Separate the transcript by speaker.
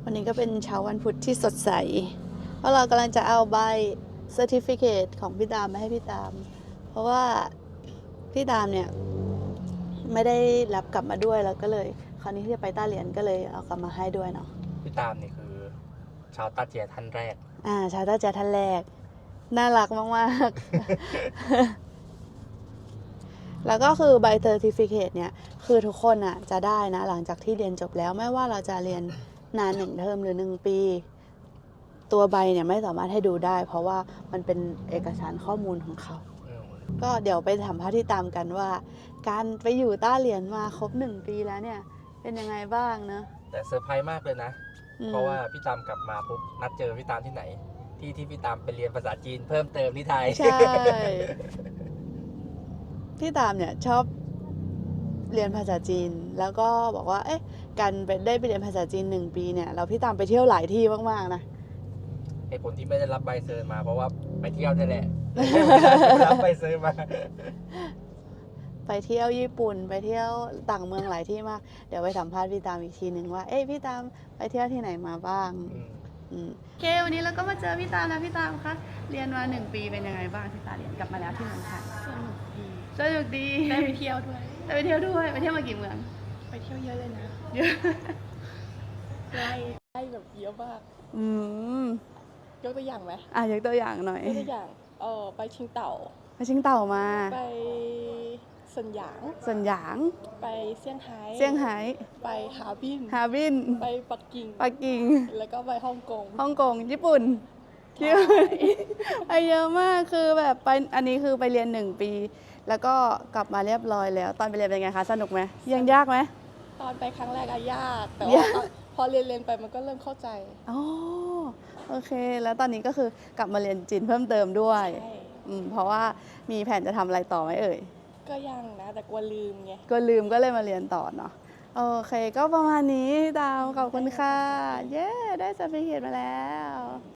Speaker 1: วันนี้ก็เป็นเช้าวันพุธที่สดใส เพราะเรากำลังจะเอาใบ Certificate ของพี่ตามมาให้พี่ตาม เพราะว่าพี่ตามเนี่ยไม่ได้รับกลับมาด้วยแล้วก็เลยคราวนี้ที่จะไปต้าเหรียญก็เลยเอากลับมาให้ด้วยเนาะ
Speaker 2: พี่ตามนี่คือชาวต้าเจียท่านแรก
Speaker 1: ชาวต้าเจียท่านแรก น่ารักมากๆ แล้วก็คือใบ Certificate เนี่ยคือทุกคนอ่ะจะได้นะหลังจากที่เรียนจบแล้วไม่ว่าเราจะเรียนนาน1 เทอมหรือ1 ปี ตัวใบเนี่ยไม่สามารถให้ดูได้ เพราะว่ามันเป็นเอกสารข้อมูลของเขา ก็เดี๋ยวไปสัมภาษณ์ที่ตามกันว่า การไปอยู่ต้าเหรียญมาครบ1 ปีแล้วเนี่ยเป็นยังไงบ้างเนอะ
Speaker 2: แต่เซอร์ไพรส์มากเลยนะ เพราะว่าพี่ตามกลับมาปุ๊บนัดเจอพี่ตามที่ไหน ที่พี่ตามไปเรียนภาษาจีนเพิ่มเติมที่ไทย
Speaker 1: ใช่ พี่ตามเนี่ยชอบเรียนภาษาจีน แล้วก็บอกว่า การได้ไปเรียนภาษาจีน1 ปีเนี่ยแล้วพี่ตามไปเที่ยวหลายที่มากๆนะ
Speaker 2: เหตุผลที่ไม่ได้รับใบเซอร์มาเพราะว่าไปเที่ยวนี่แหละ รับใบเซอร์มา
Speaker 1: ไปเที่ยวญี่ปุ่นไปเที่ยวต่างเมืองหลายที่มาก เดี๋ยวไปสัมภาษณ์พี่ตามอีกทีหนึ่งว่าพี่ตามไปเที่ยวที่ไหนมาบ้างโอเควันนี้เราก็มาเจอพี่ตามนะพี่ตามคะเรียนมา1 ปีเป็นยังไงบ้างที่ตาเรียนกลับมาแล้วที่เมืองไทย
Speaker 3: สนุกดี
Speaker 1: สนุกดี
Speaker 3: ได้ไปเที่ยวด้วย
Speaker 1: ได้ไปเที่ยวด้วยไปเที่ยวมากี่เมือง
Speaker 3: ไปเที่ยวเยอะเลยนะ
Speaker 1: เยอะ
Speaker 3: ได้แบบเยอะมาก
Speaker 1: ม
Speaker 3: ยกตัวอย่างไหม
Speaker 1: ยกตัวอย่างหน่อย
Speaker 3: ยกตัวอย่างไปชิงเต่า
Speaker 1: ไปชิงเต่ามา
Speaker 3: ไปเซินหยาง
Speaker 1: ส่วนหยาง
Speaker 3: ไปเซี่ยงไฮ้
Speaker 1: เซี่ยงไฮ้
Speaker 3: ไปฮาร์บิน
Speaker 1: ฮาร์บิน
Speaker 3: ไปปักกิ่ง
Speaker 1: ปักกิ่ง
Speaker 3: แล้วก็ไปฮ่องกง
Speaker 1: ฮ่องกงญี่ปุ่น
Speaker 3: ใช่
Speaker 1: ไปเยอะมากคือแบบไปอันนี้คือไปเรียน1 ปี แล้วก็กลับมาเรียบร้อยแล้ว ตอนไปเรียนเป็นไงคะสนุกไหมยังยากไหม
Speaker 3: ตอนไปครั้งแรกอะยาก แต่
Speaker 1: ยา
Speaker 3: ว่าก พอเรียนไปมันก็เริ่มเข้าใจ
Speaker 1: อ๋อโอเค แล้วตอนนี้ก็คือกลับมาเรียนจีนเพิ่มเติมด้วย
Speaker 3: ใช่
Speaker 1: เพราะว่ามีแผนจะทำอะไรต่อไหมเอ่ย
Speaker 3: ก็ยังนะ แต่กลัวลืมไง
Speaker 1: ก็ลืมก็เลยมาเรียนต่อเนาะโอเค ก็ประมาณนี้ดาวขอบคุณค่ะ เย้ได้ certificate มาแล้ว